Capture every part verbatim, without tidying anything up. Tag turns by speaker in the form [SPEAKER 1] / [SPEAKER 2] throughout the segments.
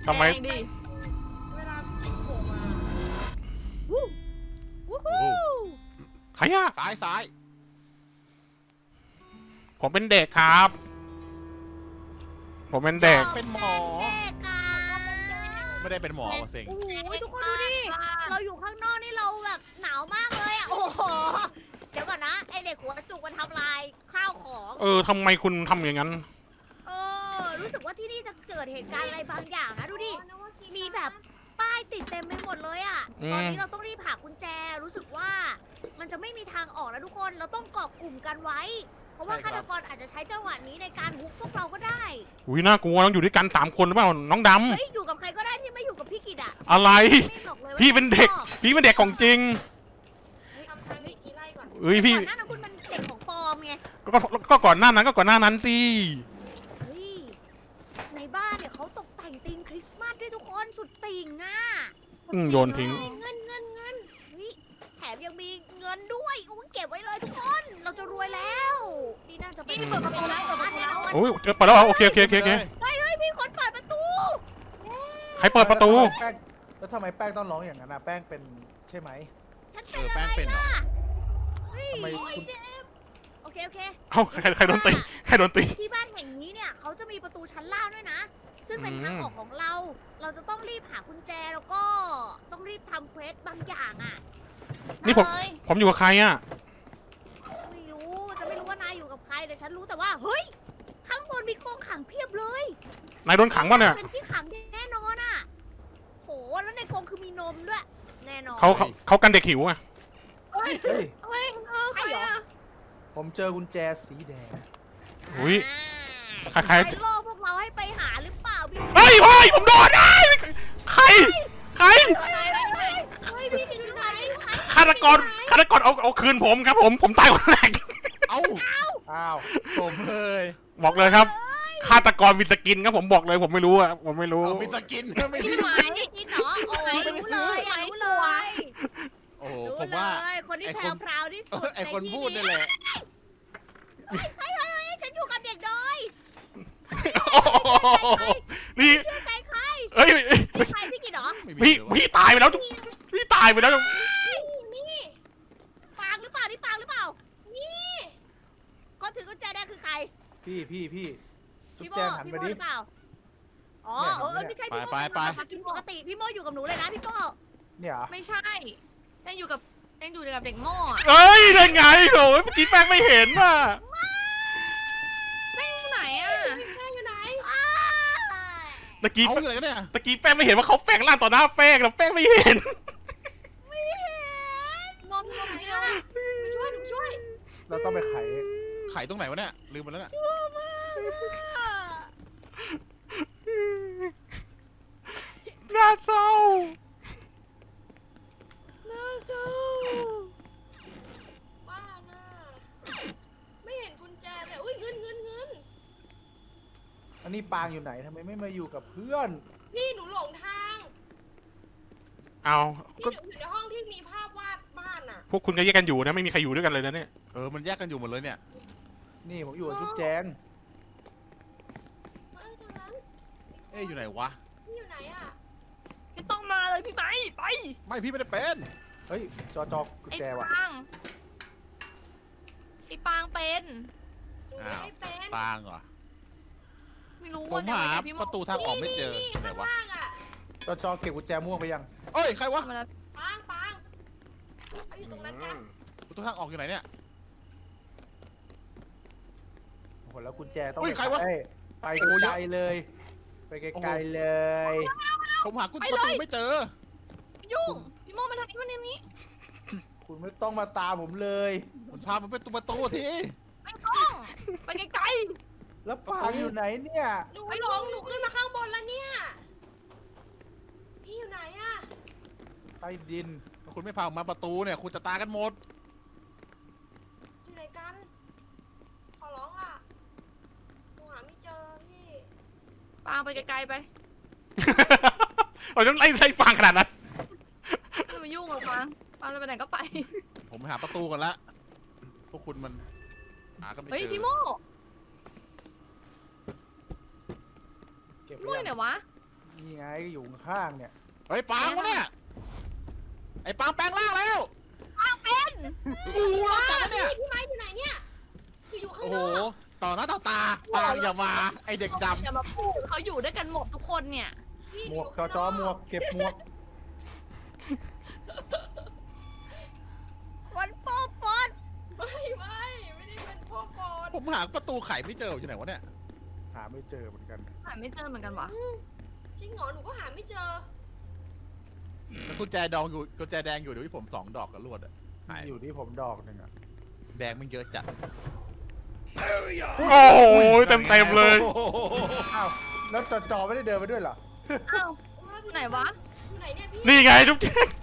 [SPEAKER 1] ทำไม
[SPEAKER 2] ดิ
[SPEAKER 3] เวลาพี่โผล่มา
[SPEAKER 2] วู้วู้ฮู้
[SPEAKER 1] ใครอะ
[SPEAKER 4] ซ้ายซ้าย
[SPEAKER 1] ผมเป็นเด็กครับ ผมเป็นเด็ก
[SPEAKER 4] เป็นหมอ
[SPEAKER 3] แม่กา
[SPEAKER 4] ไม่ได้เป็นหมอว่ะเซ็ง
[SPEAKER 3] โอ้โหทุกคนดูดิ เราอยู่ข้างนอกนี่เราแบบหนาวมากเลยอ่ะ โอ้โห เดี๋ยวก่อนนะ ไอเด็กหัวจุกมันทำลายข้าวของ
[SPEAKER 1] เออทำไมคุณทำอย่างนั้น
[SPEAKER 3] เออ รู้สึกว่าที่นี่จะเกิดเหตุการณ์อะไรบางอย่างนะดูดิ มีแบบป้ายติดเต็มไปหมดเลยอ่ะ
[SPEAKER 1] อืม
[SPEAKER 3] ตอนนี้เราต้องรีบหากุญแจ รู้สึกว่ามันจะไม่มีทางออกแล้วทุกคน เราต้องเกาะกลุ่มกันไว้ เพราะว่าฆาตกรอาจจะใช้จังหวะนี้ในการฮุกพวกเราก็ได้
[SPEAKER 1] อุ้ยน่ากลัวต้องอยู่ด้วยกันสามคนหรือเปล่าน้องด
[SPEAKER 3] เฮ้ย อยู่กับใครก็ได้ที่ไม่อยู่กับพี่กิตอ่ะ
[SPEAKER 1] ำอะไร
[SPEAKER 3] ไม่บอกเลยว่า
[SPEAKER 1] พี่เป็นเด็ก พี่เป็นเด็กของจริง
[SPEAKER 3] ทำทางนี้กี่ไร่ก่อน
[SPEAKER 1] เอ้ยพี่
[SPEAKER 3] ก่อนหน้านั้นคุณมันเด็กของปลอมไง
[SPEAKER 1] ก็ก็ก็ก่อนหน้านั้นก็ก่อนหน้านั้นสิ
[SPEAKER 3] เฮ้ย ในบ้านเนี่ยเขาตกแต่งธีมคริสต์มาสด้วยทุกคนสุดติ่งอ่ะ
[SPEAKER 1] อืมโยนทิ้ง
[SPEAKER 3] เงินเงินเงินเฮ้ยแถมยังมีเงินด้วยอุ้ยเก็บไว้เลยทุกคน เราจะรวยแล้วนี่น่าจะเป็น
[SPEAKER 2] นี่เปิดประตูแล้วเปิดประตูแล้ว
[SPEAKER 1] โอ้ยเปิดแล้วเหรอโอเคโอเคโอเคโอเค
[SPEAKER 3] เฮ้ยเฮ้ยมีคนเปิดประตู
[SPEAKER 1] ใครเปิดประตู
[SPEAKER 5] แป้งแล้วทำไมแป้งต้องร้องอย่างนั้นนะแป้งเป็นใช่ไหม
[SPEAKER 3] ฉัน
[SPEAKER 4] เอ
[SPEAKER 3] เป็น
[SPEAKER 4] อ
[SPEAKER 3] อะไร
[SPEAKER 4] แป้งเป็นเหรอ
[SPEAKER 3] ล่ะเฮ้ย
[SPEAKER 5] ทำไมคุณ
[SPEAKER 3] โอเคโอเค
[SPEAKER 1] เอ้าใครใครใครโดนตีใครโดนตี
[SPEAKER 3] ที่บ้านแห่งนี้เนี่ยเขาจะมีประตูชั้นล่างด้วยนะ ซึ่งเป็นทางออกของเรา เราจะต้องรีบหากุญแจแล้วก็ต้องรีบทำเควสบางอย่างอ่ะ
[SPEAKER 1] นี่ผม
[SPEAKER 2] เลย
[SPEAKER 1] ผมอยู่กับใครอะ
[SPEAKER 3] ไม่รู้จะไม่รู้ว่านายอยู่กับใครแต่ฉันรู้แต่ว่าเฮ้ยข้างบนมีกรงขังเพียบเลย
[SPEAKER 1] นายโดนขังป่ะเนี่ย
[SPEAKER 3] เป็นที่ขังแน่นอนอ่ะโหแล้วในกรงคือมีนมด้วยแน่นอน
[SPEAKER 1] เขาเขาเขากันเด็กหิวอะ
[SPEAKER 2] เฮ้ย
[SPEAKER 5] เฮ้ย
[SPEAKER 2] เฮ้ยเออใครอะ
[SPEAKER 5] ผมเจอกุญแจสีแดง
[SPEAKER 1] อุ้ย ใคร
[SPEAKER 3] ใค
[SPEAKER 1] ใค
[SPEAKER 3] ร
[SPEAKER 1] ร
[SPEAKER 3] ล่อพวกเราให้ไปหาหรือเปล่าพี่
[SPEAKER 1] เฮ้ยเฮ้ยผมโดนไอ้ยใครใคร
[SPEAKER 3] เฮ้ยพี่อยู่ไหน
[SPEAKER 1] ฆาตกรฆาตกรเอาเอาคืนผมครับผมผมตายคนแรก
[SPEAKER 4] เอ้า
[SPEAKER 5] อ้าว
[SPEAKER 4] ผมเลย
[SPEAKER 1] บอกเลยครับฆาตกรมีสกินครับผมบอกเลยผมไม่รู้อะผมไม่รู้
[SPEAKER 4] เอามีสกินไม่
[SPEAKER 2] พี่
[SPEAKER 4] รู้
[SPEAKER 2] ไหม
[SPEAKER 3] กินเหรอโอ้ยรู้เลยอ่ะรู้เลย
[SPEAKER 4] โอ้โห
[SPEAKER 3] รู้
[SPEAKER 4] ผมว่า
[SPEAKER 3] เลยคนที่
[SPEAKER 4] ไอ้
[SPEAKER 3] แพ
[SPEAKER 4] ค
[SPEAKER 3] ร
[SPEAKER 4] น
[SPEAKER 3] วพราวที่สุด
[SPEAKER 4] ไอคนพูดนี่แหละ
[SPEAKER 3] เฮ้ยเฮ้ยเฮ้ยฉันอยู่กับเด็กดอย
[SPEAKER 1] โอ้โหนี่
[SPEAKER 3] เชื่อใจใคร
[SPEAKER 1] เอ้ยเอ้ย
[SPEAKER 3] ใครพี่กินเหรอ
[SPEAKER 4] ไม่มี
[SPEAKER 1] พี่
[SPEAKER 4] เลยวะ
[SPEAKER 1] พี่ตายไปแล้วพี่ตายไปแล้ว
[SPEAKER 3] นี่ปางหรือเปล่านี่ปางหรือเปล่า นี่คนถือกุญแจแดงคือใคร
[SPEAKER 5] พี่พี่พี่จุ๊บ
[SPEAKER 3] พี่โม
[SPEAKER 5] แจงหัน
[SPEAKER 3] พี่
[SPEAKER 5] ไป
[SPEAKER 3] โม
[SPEAKER 5] ดิ
[SPEAKER 3] หรือเปล่า อ๋อ
[SPEAKER 5] เนี่ย
[SPEAKER 3] เออเออไม่ใช่พี่โม
[SPEAKER 4] ไปไป
[SPEAKER 3] มากินปกติพี่โมอยู่กับหนูเลยนะพี่โม
[SPEAKER 5] เนี่ยเหรอ
[SPEAKER 2] ไม่ใช่ยังอยู่กับยังอยู่กับเด็กโม่อะ
[SPEAKER 1] เอ้ยได้ไงโหเมื่อกี้แป้งไม่เห็นอ่ะ
[SPEAKER 2] ไม่อยู่ไหนอะ
[SPEAKER 3] แม่อยู่ไหนอ้า
[SPEAKER 1] ตะกี้
[SPEAKER 4] เอาอะไรกันเนี่ย
[SPEAKER 1] ตะกี้แป้งไม่เห็นว่าเขาแฝงร่างต่อหน้าแป้งแล้วแป้งไม่เห็น
[SPEAKER 3] ไม่เห็น
[SPEAKER 2] นอนนอนไม่ได้
[SPEAKER 3] ไปช่วยหนูช่วย
[SPEAKER 5] เราต้องไปไข
[SPEAKER 4] ไข่ตรงไหนวะเนี่ยลืมไปแล้วเนี่ย
[SPEAKER 3] ชั่วมาก
[SPEAKER 1] น่าเศร้า
[SPEAKER 3] น่าเศร้าบ้าน่ะไม่เห็นกุญแจเลยอุ้ยเงินเงินเงิน
[SPEAKER 5] อันนี้ปางอยู่ไหนทำไมไม่มาอยู่กับเพื่อน
[SPEAKER 3] พี่หนูหลงทาง
[SPEAKER 1] เอา
[SPEAKER 3] พี่
[SPEAKER 1] ก็
[SPEAKER 3] หนูอยู่ในห้องที่มีภาพวาดบ้านอ่ะ
[SPEAKER 1] พวกคุณก็แยกกันอยู่นะไม่มีใครอยู่ด้วยกันเลยนะเนี่ย
[SPEAKER 4] เออมันแยกกันอยู่หมดเลยเนี่ย
[SPEAKER 5] นี่ผมอยู่กับจุ๊บแจง
[SPEAKER 3] เอ้ยทางนั้น
[SPEAKER 4] เอ๊ะอยู่ไหนวะ
[SPEAKER 3] พี่อยู่ไหนอ่ะ
[SPEAKER 2] ไม่ต้องมาเลยพี่ไหมไป
[SPEAKER 4] ไม่พี่ไม่ได้เป็น
[SPEAKER 5] เฮ้ยจอจอกุญ
[SPEAKER 2] ไอ้
[SPEAKER 5] แจว่ะ
[SPEAKER 2] ปางไอ้ปางเป็น
[SPEAKER 3] หนูไม่ได้เป็น
[SPEAKER 4] ปางเหรอ
[SPEAKER 2] ไม่รู้
[SPEAKER 4] ผม
[SPEAKER 2] ว่า
[SPEAKER 4] หา
[SPEAKER 2] แต่พี่โม่
[SPEAKER 4] ประตูทางออกไม่เจอ
[SPEAKER 3] นี่
[SPEAKER 4] ไหน
[SPEAKER 3] ข้าง
[SPEAKER 4] วะ
[SPEAKER 3] ล่างอ่ะ
[SPEAKER 5] จอจอเก็บกุญแจม่วงไปยัง
[SPEAKER 4] เอ้ยใครวะ
[SPEAKER 2] มาแล้ว
[SPEAKER 3] ปางปางเอาอยู่ตรงนั้นกัน
[SPEAKER 4] ประตูทางออกอยู่ไหนเนี่ย
[SPEAKER 5] โอ้โหแล้วกุญแจต้อง
[SPEAKER 4] เฮ้ยใครวะ
[SPEAKER 5] ไขไป
[SPEAKER 4] โอ้โหเย
[SPEAKER 5] ไก
[SPEAKER 4] อะ
[SPEAKER 5] ลๆเลย ไปไกลๆเลย
[SPEAKER 4] ผมหากุญประตูไม่เจอ
[SPEAKER 2] ยุ่งพี่โม่มาทางนี้มาทางนี้
[SPEAKER 5] คุณไม่ต้องมาตามผมเลย
[SPEAKER 4] มันพามันเป็นตัวประตูที
[SPEAKER 2] ไม่ต้องไปไกล
[SPEAKER 5] แล้วปางอยู่ไหนเนี่ย
[SPEAKER 3] หนูหลงหนูขึ้นมาข้างบนแล้วเนี่ย พี่อยู่ไหนอ่ะ
[SPEAKER 5] ใต้ดิน
[SPEAKER 4] ถ้าคุณไม่พาผมมาประตูเนี่ยคุณจะตายกันหมด
[SPEAKER 3] อยู่ไหนกัน ขอร้องอ่ะหนูหาไม่เจอพี่
[SPEAKER 2] ๆปางไปไกลๆไป
[SPEAKER 1] เราต้องไล่ไล่ฟังขนาดนั้น
[SPEAKER 2] ไม่มายุ่งหรอกปางปางจะไปไหนก็ไป
[SPEAKER 4] ผมไปหาประตูกันละพวกคุณมันหาก็ไม่เจ
[SPEAKER 2] เฮ้ย
[SPEAKER 4] อ
[SPEAKER 2] พี่โม่
[SPEAKER 5] เก็บ
[SPEAKER 2] พี่โม่
[SPEAKER 5] ไว้
[SPEAKER 2] อยู่ไหน
[SPEAKER 5] ยัง
[SPEAKER 2] วะ
[SPEAKER 5] นี่ไงอยู่ข้างๆเนี่ย
[SPEAKER 4] เฮ้ยปางวะเนี่ยไอ้ปางแปลงร่างแล้ว
[SPEAKER 2] ปางเป็น
[SPEAKER 4] กูแล้วจับเนี่ย
[SPEAKER 3] พี่ไม้อยู่ไหนเนี่ยคืออยู่ข้าง
[SPEAKER 4] โอ้
[SPEAKER 3] น
[SPEAKER 4] โห
[SPEAKER 3] อก
[SPEAKER 4] ต่อหน้าต่อตาปางอย่ามาไอ้เด็กดำ
[SPEAKER 2] อย่ามาพูดเขาอยู่ด้วยกันหมดทุกคนเนี่ย
[SPEAKER 3] พี่
[SPEAKER 5] หมวก
[SPEAKER 3] ยู่
[SPEAKER 5] จอ
[SPEAKER 3] ข้างน
[SPEAKER 5] จอหมวกเก็บหมวก
[SPEAKER 3] คนโป๊ะปอนไม่ไม่ไม่ได้เป็นโป๊ะปอน
[SPEAKER 4] ผมหาประตูไขไม่เจออยู่ไหนวะเนี่ย
[SPEAKER 5] หาไม่เจอเหมือนกัน
[SPEAKER 2] หาไม่เจอเหมือนกันวะ
[SPEAKER 3] จริงเหรอหนูก็หาไม่เจอ
[SPEAKER 4] แล้วกุญแจดองอยู่กุญแจแดงอยู่เดี๋ยวที่ผมสองดอกกับลวดอะหาย
[SPEAKER 5] อยู่ที่ผมดอกหนึ่งอะ
[SPEAKER 4] แดงมันเยอะจัด
[SPEAKER 1] โอ้โหเต็มเต็มๆเลย
[SPEAKER 4] โอ้โห
[SPEAKER 5] อ้าวแล้วจอจอไม่ได้เดินไปด้วยเหรอ
[SPEAKER 2] อ้าวไหนวะ
[SPEAKER 3] อยู่ไหนเนี่ยพี่
[SPEAKER 1] นี่ไงทุกที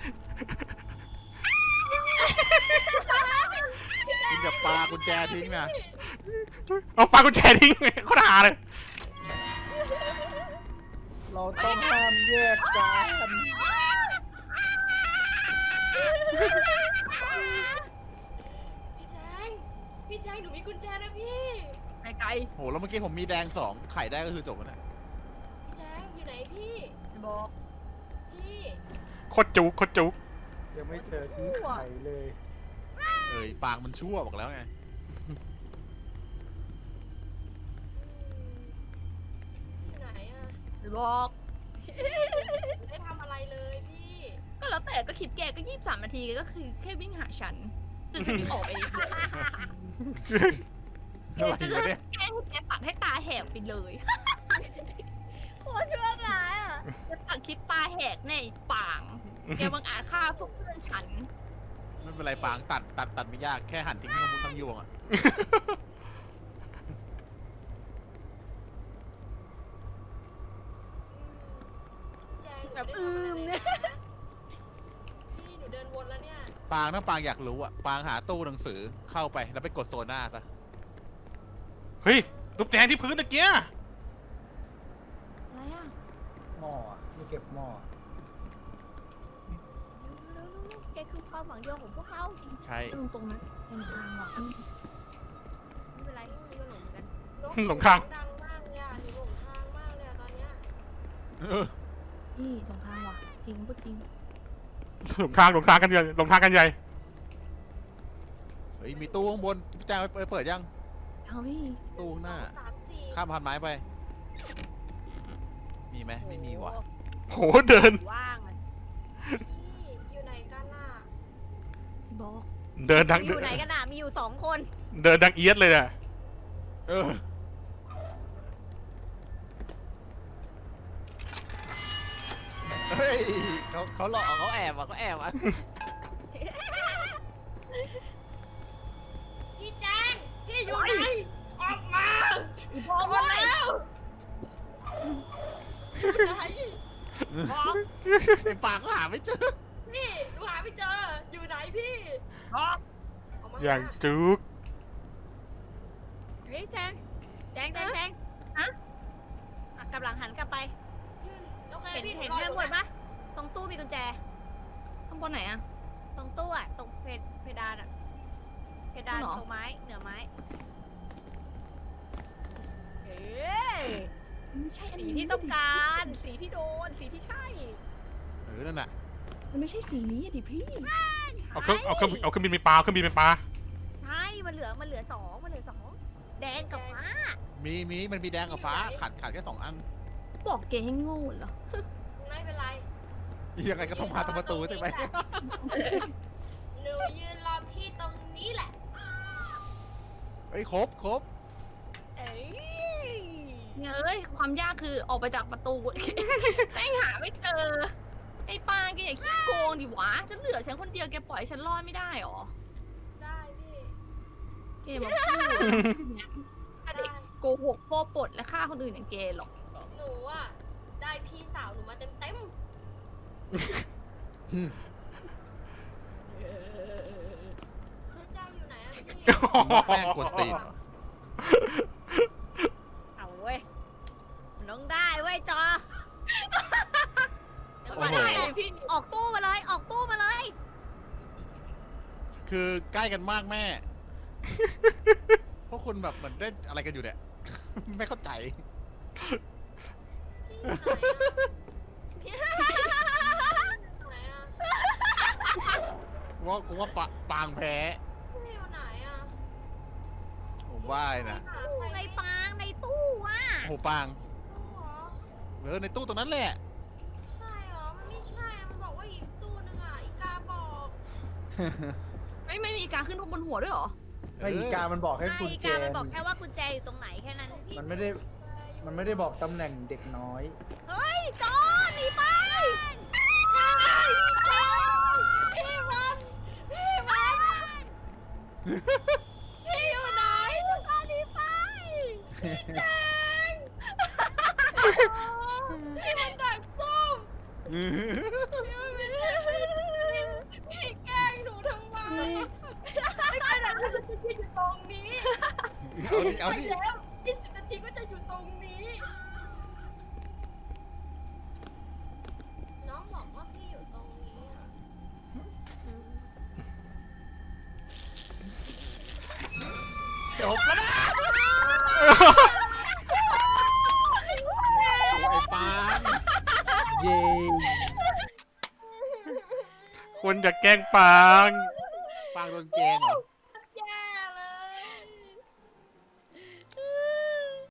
[SPEAKER 4] คุณอย่าปากุญแจทิ้งนะ
[SPEAKER 1] เอาฟังกุญแจทิ้งเขาด่าเลย
[SPEAKER 5] เราต้องห้ามแยกกัน
[SPEAKER 3] พี่แจงพี่แจงหนูมีกุญแจนะพี่
[SPEAKER 2] ไกล
[SPEAKER 4] โหแล้วเมื่อกี้ผมมีแดงสองไขได้ก็คือจบแล้วนะ
[SPEAKER 3] พี่แจงอยู่ไหนพี่
[SPEAKER 2] ๆบอก
[SPEAKER 3] พี่
[SPEAKER 1] โคตรจุกโคตรจุก
[SPEAKER 5] ยังไม่เจอที่ไข่เลย
[SPEAKER 4] เอ้ยปางมันชั่วบอกแล้วไง
[SPEAKER 3] อยู่ไหนอะ
[SPEAKER 2] บอก
[SPEAKER 3] ไม่ได้ทำอะไรเลยพี่
[SPEAKER 2] ก็แล้วแต่ก็คลิปแกก็ยี่สิบสามนาทีก็คือแค่วิ่งหาฉันจนฉันวิ่งออกไปเองแก
[SPEAKER 4] อะไร
[SPEAKER 2] จะ
[SPEAKER 4] วะเนี่ย
[SPEAKER 2] แกล้งให้แกตัดให้ตาแหกไปเลย
[SPEAKER 3] โคตรชั่วร้ายอะ
[SPEAKER 2] จะตัดคลิปตาแหกแน่ไอ้ป่าง แกบังอาจฆ่าพวกเพื่อนฉัน
[SPEAKER 4] ไม่เป็นไรปางตัดตัดตัดไม่ยากแค่หั่นทิ้งทั้งมุ้งทั้งยวงอะ
[SPEAKER 3] แจงแบบอืมเนี่ยพี่หนูเดินวนแล้วเนี่ย
[SPEAKER 4] ปางถ้าปางอยากรู้อะปางหาตู้หนังสือเข้าไปแล้วไปกดโซน่าซะ
[SPEAKER 1] เฮ้ยลูกแดงที่พื้นตะเกีย
[SPEAKER 2] อะไรอ่ะ
[SPEAKER 5] หม้ออะไม่เก็บหม้อ
[SPEAKER 3] แกคือความหวังเดียวของพวกเขา
[SPEAKER 4] ใช่
[SPEAKER 2] ตรงตรงนั้นเป็นทางว่ะ
[SPEAKER 3] ไม่เป็นไรนี่ก็หลงเหมือนกัน
[SPEAKER 1] หลงทาง
[SPEAKER 3] ดังมากเลยอ่ะหนูหลงทางมากเลยอ่ะตอนเนี้ย
[SPEAKER 4] เออ
[SPEAKER 2] นี่ตรงทางว่ะจริงพูดจริง
[SPEAKER 1] หลงทางหลงทางกันใหญ่หลงทางกันใหญ่
[SPEAKER 4] เฮ้ยมีตู้ข้างบนพี่แจ้งไปเปิดยัง
[SPEAKER 2] เอาพี่
[SPEAKER 4] ตู้ข้างหน้า
[SPEAKER 3] สองสามสี่
[SPEAKER 4] ข้ามพันไม้ไป มีไหมไม่มีว่ะ
[SPEAKER 1] โหเดิน
[SPEAKER 3] ว่างอ่ะพี่อยู่ไหนกันน่ะ
[SPEAKER 2] พี่บอก
[SPEAKER 1] เดินดัง
[SPEAKER 3] อยู่ไหนกันน่ะมีอยู่สองคน
[SPEAKER 1] เดินดังเอียดเลยอะ
[SPEAKER 4] เออเฮ้ยเขาเขาหลอกเขาแอบอ่ะเขาแอบอ่ะ
[SPEAKER 3] พี่แจงพี่อยู่ไหนออกมา
[SPEAKER 2] พี่บอก
[SPEAKER 3] ก่อนแล้วไหน
[SPEAKER 2] บอก
[SPEAKER 4] ไอ้ปางก็หาไม่เจอ
[SPEAKER 3] พี่หนูหาไม่เจออยู่ไหนพี่
[SPEAKER 2] บอก
[SPEAKER 3] ออกมา
[SPEAKER 1] อย่างจุก
[SPEAKER 3] เฮ้ยแจงแจงแจงแจงอ่ะกำลังหันกลับไปเห็นเห็นเพื่อนบนปะตรงตู้มีกุญแจ
[SPEAKER 2] ข้างบนไหนอ่ะ
[SPEAKER 3] ตรงตู้อะตรงเพดเพดานอะเพดาน
[SPEAKER 2] เหรอ
[SPEAKER 3] ตรงไม้เหนือไม้เฮ้ย
[SPEAKER 2] ไม่ใช่อัน
[SPEAKER 3] สี
[SPEAKER 2] นี้
[SPEAKER 3] ที่ต้องการสีที่โดนสีที่ใช่
[SPEAKER 4] เออนั่นน่ะ
[SPEAKER 2] มันไม่ใช่สีนี้อะดิพี่
[SPEAKER 1] เอาเครื่องเอาเครื่องเอาเครื่องบินไปปลาเอาเครื่องบินไปปลา
[SPEAKER 3] ใช่มันเหลือมันเหลือสองมันเหลือสองแดงกับฟ้า
[SPEAKER 4] มีมีมันมีแดงกับฟ้าขาดขาดแค่สองอัน
[SPEAKER 2] บอกแกให้โง่เหรอ
[SPEAKER 3] ไม่เป็นไร
[SPEAKER 4] ยังไงก็ต้องพาตรงประตูใช่ไหม
[SPEAKER 3] หนูยืนรอพี่ตรงนี้แหละ
[SPEAKER 4] เฮ้ยครบครบ
[SPEAKER 3] เอ้ย
[SPEAKER 2] เนี่ยเอ้ยความยากคือออกไปจากประตู แม่งหาไม่เจอ ไอ้ปางแกอย่าขี้โกงดิวะฉันเหลือฉันคนเดียวแกปล่อยให้ฉันรอดไม่ได้หรอ
[SPEAKER 3] ได้พี่
[SPEAKER 2] แกมาพูดถ้าเด็กโกหกโป้ปดและฆ่าคนอื่นอย่างแกหรอก
[SPEAKER 3] หนูอะได้พี่สาวหนูมาเต็มเต็มเจ้าอยู่ไหนอะพี่
[SPEAKER 4] แป้งกดตีน
[SPEAKER 3] เอาเว้ยมันต้องได้เว้ยจอเดี๋ยวก่อน
[SPEAKER 2] ได้
[SPEAKER 3] นะ
[SPEAKER 2] เลยพี่
[SPEAKER 3] ออกตู้มาเลย ออกตู้มาเลย
[SPEAKER 4] คือใกล้กันมากแม่ พวกคุณแบบเหมือนเล่นอะไรกันอยู่เนี่ย ไม่เข้าใจ
[SPEAKER 3] พี่อยู่ไหนอะ
[SPEAKER 6] ไหนอะ
[SPEAKER 4] กูว่ากูว่าปะปางแพ้
[SPEAKER 6] พี่อยู่ไหนอะ
[SPEAKER 4] ผมว่านะ
[SPEAKER 6] หาใคร
[SPEAKER 3] ใน
[SPEAKER 6] ไม่
[SPEAKER 3] ปางในตู้อ่ะ
[SPEAKER 4] โอ้โหปาง
[SPEAKER 6] รู้เหรอ
[SPEAKER 4] เออในตู้ตรงนั้นแหละ
[SPEAKER 6] ใช่เหรอ มันไม่ใช่อะมันบอกว่าอีกตู้นึงอะอีกาบอก
[SPEAKER 2] ไม่ไม่มีการขึ้นบนหัวด้วยเหรอ
[SPEAKER 5] ไม่อีกามันบอกให้
[SPEAKER 3] ไอ้
[SPEAKER 5] คุณแจ
[SPEAKER 3] การมันบอกแค่ว่ากุญแจอยู่ตรงไหนแค่นั้น
[SPEAKER 5] มันไม่ได้ มันไม่ได้บอกตำแหน่งเด็กน้อย
[SPEAKER 3] เฮ้ยจอนหนีไปพี่มันพี่มันพี่อยู่ไหนจอนหนีไปแจงพี่มันดักซุ่มพี่แกล้งหนูทำไมไม่ขนาดนั้นจะอยู่ตรงนี้
[SPEAKER 4] เอาดิเอาดิ
[SPEAKER 3] แล้วยี่สิบนาทีก็จะอยู่ตรงนี้
[SPEAKER 6] น้องบอกว่าพี่อยู่ตรงนี้อะ
[SPEAKER 4] จบแล้วนะโอ้ไอ้ปาง
[SPEAKER 5] เย้
[SPEAKER 1] คุณจะแกล้งปาง
[SPEAKER 4] ปางโดนแกงเหรอ